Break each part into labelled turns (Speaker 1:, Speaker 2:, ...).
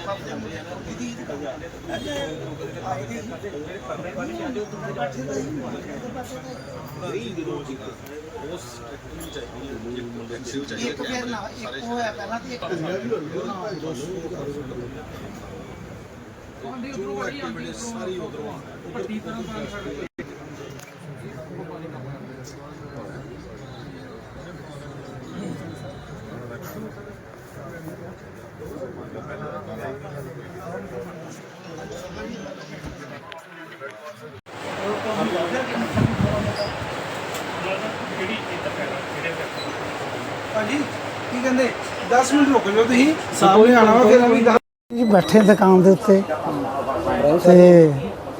Speaker 1: ਭਾਜੀ ਕੀ ਕਹਿੰਦੇ 10 ਮਿੰਟ ਰੁਕ ਜਾਓ ਤੁਸੀਂ ਸਾਹਮਣੇ ਆਣਾ ਵਾ ਫਿਰ ਅਭੀ ਜੀ ਬੈਠੇ ਦੁਕਾਨ ਦੇ ਉੱਤੇ ਤੇ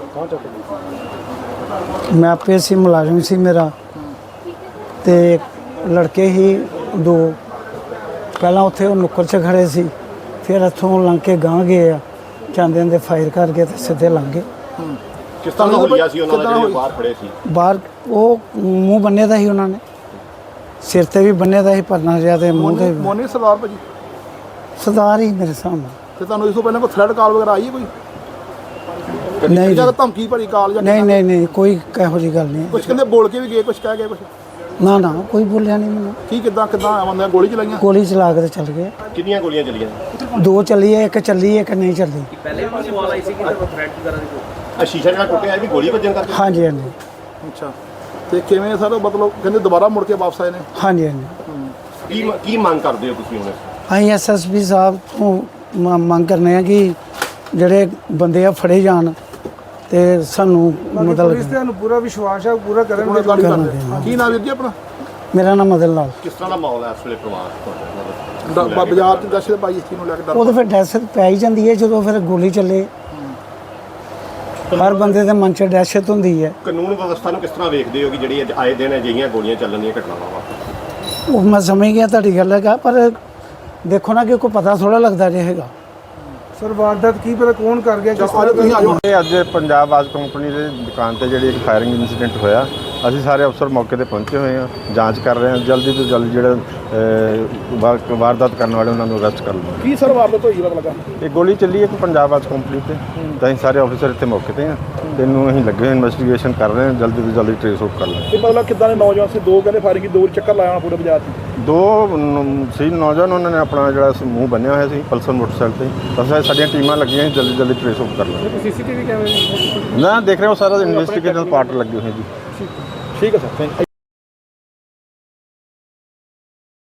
Speaker 1: ਮੈਂ ਆਪੇ ਸੀ ਮੁਲਾਜ਼ਮ ਸੀ ਮੇਰਾ ਤੇ ਲੜਕੇ ਹੀ ਦੋ ਪਹਿਲਾਂ ਉੱਥੇ ਉਹ ਨੁੱਕਰ 'ਚ ਖੜੇ ਸੀ ਫਿਰ ਇੱਥੋਂ ਲੰਘ ਕੇ ਗਾਂਹ ਗਏ ਆ ਜਾਂਦੇ ਜਾਂਦੇ ਫਾਇਰ ਕਰਕੇ ਤੇ ਸਿੱਧੇ ਲੰਘ ਗਏ।
Speaker 2: ਕਿਸ ਤਰ੍ਹਾਂ ਦਾ ਹੋਇਆ ਸੀ ਉਹਨਾਂ ਦਾ ਜਿਹੜੇ ਬਾਹਰ ਖੜੇ ਸੀ?
Speaker 1: ਬਾਹਰ ਉਹ ਮੂੰਹ ਬੰਨੇ ਦਾ ਸੀ ਉਹਨਾਂ ਨੇ ਸਿਰ ਤੇ ਵੀ ਬੰਨੇ ਦਾ ਸੀ ਪਰਨਾ ਜਿਹਾ ਤੇ ਮੂੰਹ ਤੇ
Speaker 3: ਮੋਨੀ ਸਰਦਾਰ ਭਾਜੀ
Speaker 1: ਸਰਦਾਰ ਹੀ ਮੇਰੇ ਸਾਹਮਣੇ।
Speaker 3: ਤੇ ਤੁਹਾਨੂੰ ਇਸ ਤੋਂ ਪਹਿਲਾਂ ਕੋਈ ਥ੍ਰੈਡ ਕਾਲ ਵਗੈਰਾ ਆਈ ਹੈ ਕੋਈ?
Speaker 1: ਨਹੀਂ
Speaker 3: ਜਾਂ ਧਮਕੀ ਭਰੀ ਕਾਲ ਜਾਂ
Speaker 1: ਨਹੀਂ ਕੋਈ ਇਹੋ ਜਿਹੀ ਗੱਲ ਨਹੀਂ।
Speaker 3: ਕੁਝ ਕਹਿੰਦੇ ਬੋਲ ਕੇ ਵੀ ਗਏ, ਕੁਝ ਕਹਿ ਗਏ, ਕੁਝ
Speaker 1: ਨਾ ਕੋਈ ਬੋਲਿਆ ਨਹੀਂ ਮੈਨੂੰ।
Speaker 3: ਕੀ ਕਿੱਦਾਂ ਆਉਂਦੇ ਗੋਲੀ ਚਲਾਈਆਂ?
Speaker 1: ਗੋਲੀ ਚਲਾ ਕੇ ਤੇ ਚੱਲ ਗਏ।
Speaker 2: ਕਿੰਨੀਆਂ ਗੋਲੀਆਂ ਚੱਲੀਆਂ?
Speaker 1: ਦੋ ਚੱਲੀ ਹੈ, ਇੱਕ ਚੱਲੀ ਹੈ, ਇੱਕ ਨਹੀਂ ਚੱਲੀ।
Speaker 4: ਪਹਿਲੇ ਵੀ ਸਵਾਲ ਆਈ ਸੀ ਕਿ ਥ੍ਰੈਡ ਵਗੈਰਾ ਦੀ
Speaker 2: ਸ਼ੀਸ਼ਾ ਜਿਹੜਾ ਟੁੱਟਿਆ ਇਹ ਵੀ ਗੋਲੀ ਵੱਜਣ ਕਰਕੇ?
Speaker 1: ਹਾਂਜੀ
Speaker 3: ਅੱਛਾ ਤੇ ਕਿਵੇਂ ਸਰ ਮਤਲਬ ਕਹਿੰਦੇ ਦੁਬਾਰਾ ਮੁੜ ਕੇ ਵਾਪਸ ਆਏ ਨੇ?
Speaker 1: ਹਾਂਜੀ
Speaker 2: ਕੀ ਮੰਗ ਕਰਦੇ ਹੋ ਤੁਸੀਂ ਹੁਣ?
Speaker 1: ਅਸੀਂ ਐਸਐਸਪੀ ਸਾਹਿਬ ਤੋਂ ਮੰਗ ਕਰਨੇ ਆ ਕਿ ਜਿਹੜੇ ਬੰਦੇ ਆ ਫੜੇ ਜਾਣ ਤੇ ਸਾਨੂੰ ਮਤਲਬ
Speaker 5: ਤੁਹਾਨੂੰ ਪੂਰਾ ਵਿਸ਼ਵਾਸ ਹੈ ਪੂਰਾ ਕਰਨਗੇ।
Speaker 3: ਕੀ ਨਾਮ ਵੀਰ ਜੀ ਆਪਣਾ?
Speaker 1: ਮੇਰਾ ਨਾਮ ਮਦਨ ਲਾਲ।
Speaker 2: ਕਿਸ ਤਰ੍ਹਾਂ ਦਾ ਮਾਹੌਲ ਹੈ ਇਸ ਵੇਲੇ ਪਰਿਵਾਰ?
Speaker 3: ਬਾਜ਼ਾਰ 'ਚ ਦਹਿਸ਼ਤ ਪਾਈ ਇਸ ਚੀਜ਼ ਨੂੰ ਲੈ ਕੇ ਡਰ?
Speaker 1: ਉਹ ਤਾਂ ਫਿਰ ਦਹਿਸ਼ਤ ਪੈ ਹੀ ਜਾਂਦੀ ਹੈ ਜਦੋਂ ਫਿਰ ਗੋਲੀ ਚੱਲੇ। ਹਰ ਬੰਦੇ ਦੇ ਮਨ 'ਚ ਦਹਿਸ਼ਤ ਹੁੰਦੀ ਹੈ।
Speaker 2: ਕਾਨੂੰਨ ਵਿਵਸਥਾ ਨੂੰ ਕਿਸ ਤਰ੍ਹਾਂ ਵੇਖਦੇ ਹੋ ਕਿ ਜਿਹੜੀ ਆਏ ਦਿਨ ਅਜਿਹੀਆਂ ਗੋਲੀਆਂ ਚੱਲਣ ਦੀਆਂ ਘਟਨਾਵਾਂ ਵਾਪਰਦੀਆਂ?
Speaker 1: ਉਹ ਮੈਂ ਸਮਝ ਗਿਆ ਤੁਹਾਡੀ ਗੱਲ ਹੈਗਾ, ਪਰ ਦੇਖੋ ਨਾ ਕਿ ਕੋਈ ਪਤਾ ਥੋੜਾ ਲੱਗਦਾ ਜੇ ਹੈਗਾ।
Speaker 5: ਸਰ ਵਾਰਦਾਤ ਕੀ ਪਤਾ ਕੌਣ ਕਰ ਗਿਆ, ਕਿਸ ਤਰ੍ਹਾਂ
Speaker 3: ਤੁਸੀਂ ਆਜੋ।
Speaker 6: ਅੱਜ ਪੰਜਾਬ ਆਜ ਕੰਪਨੀ ਦੇ ਦੁਕਾਨ ਤੇ ਜਿਹੜੀ ਇੱਕ ਫਾਇਰਿੰਗ ਇਨਸੀਡੈਂਟ ਹੋਇਆ, ਅਸੀਂ ਸਾਰੇ ਅਫਸਰ ਮੌਕੇ ਤੇ ਪਹੁੰਚੇ ਹੋਏ ਹਾਂ, ਜਾਂਚ ਕਰ ਰਹੇ ਹਾਂ। ਜਲਦੀ ਤੋਂ ਜਲਦੀ ਜਿਹੜੇ ਵਾਰਦਾਤ ਕਰਨ ਵਾਲੇ ਉਹਨਾਂ ਨੂੰ ਅਰੈਸਟ ਕਰ ਲਵਾਂਗੇ।
Speaker 3: ਕੀ ਸਰ ਵਾਰਦਾਤ ਹੋਈ ਪਤਾ ਲੱਗਾ?
Speaker 6: ਇਹ ਗੋਲੀ ਚੱਲੀ ਇੱਕ ਪੰਜਾਬ ਆਜ ਕੰਪਨੀ ਤੇ, ਤਾਂ ਅਸੀਂ ਸਾਰੇ ਅਫਸਰ ਇੱਥੇ ਮੌਕੇ ਤੇ ਹਾਂ ਤੇ ਇਹਨੂੰ ਅਸੀਂ ਲੱਗੇ ਹੋਏ ਇਨਵੈਸਟੀਗੇਸ਼ਨ ਕਰ ਰਹੇ ਹਾਂ, ਜਲਦੀ ਤੋਂ ਜਲਦੀ ਟ੍ਰੇਸ ਆਊਟ ਕਰ ਲਾਂਗੇ।
Speaker 3: ਇਹ ਮਤਲਬ ਕਿੱਦਾਂ ਦੇ ਨੌਜਵਾਨ ਸੀ? ਦੋ ਕਹਿੰਦੇ ਫਾਇਰਿੰਗ, ਦੋ ਚੱਕਰ ਲਾਇਆ ਪੂਰੇ ਬਾਜ਼ਾਰ 'ਚ।
Speaker 6: ਦੋ ਸੀ ਨੌਜਵਾਨ, ਉਹਨਾਂ ਨੇ ਆਪਣਾ ਜਿਹੜਾ ਮੂੰਹ ਬੰਨਿਆ ਹੋਇਆ ਸੀ ਪਲਸਰ ਮੋਟਰਸਾਈਕਲ ਤੇ। ਬਸ ਸਾਡੀਆਂ ਟੀਮਾਂ ਲੱਗੀਆਂ, ਜਲਦੀ ਟ੍ਰੇਸ ਆਊਟ ਕਰ ਲਾਂਗੇ।
Speaker 5: ਸੀਸੀਟੀਵੀ ਕੈਮਰੇ
Speaker 6: ਨਾ ਦੇਖ ਰਹੇ ਹੋ, ਸਾਰਾ ਇਨਵੈਸਟੀਗੇਸ਼ਨ ਪਾਰਟ ਲੱਗੇ ਹੋਏ ਜੀ।
Speaker 3: ਠੀਕ ਹੈ ਸਰ, ਥੈਂਕ ਯੂ।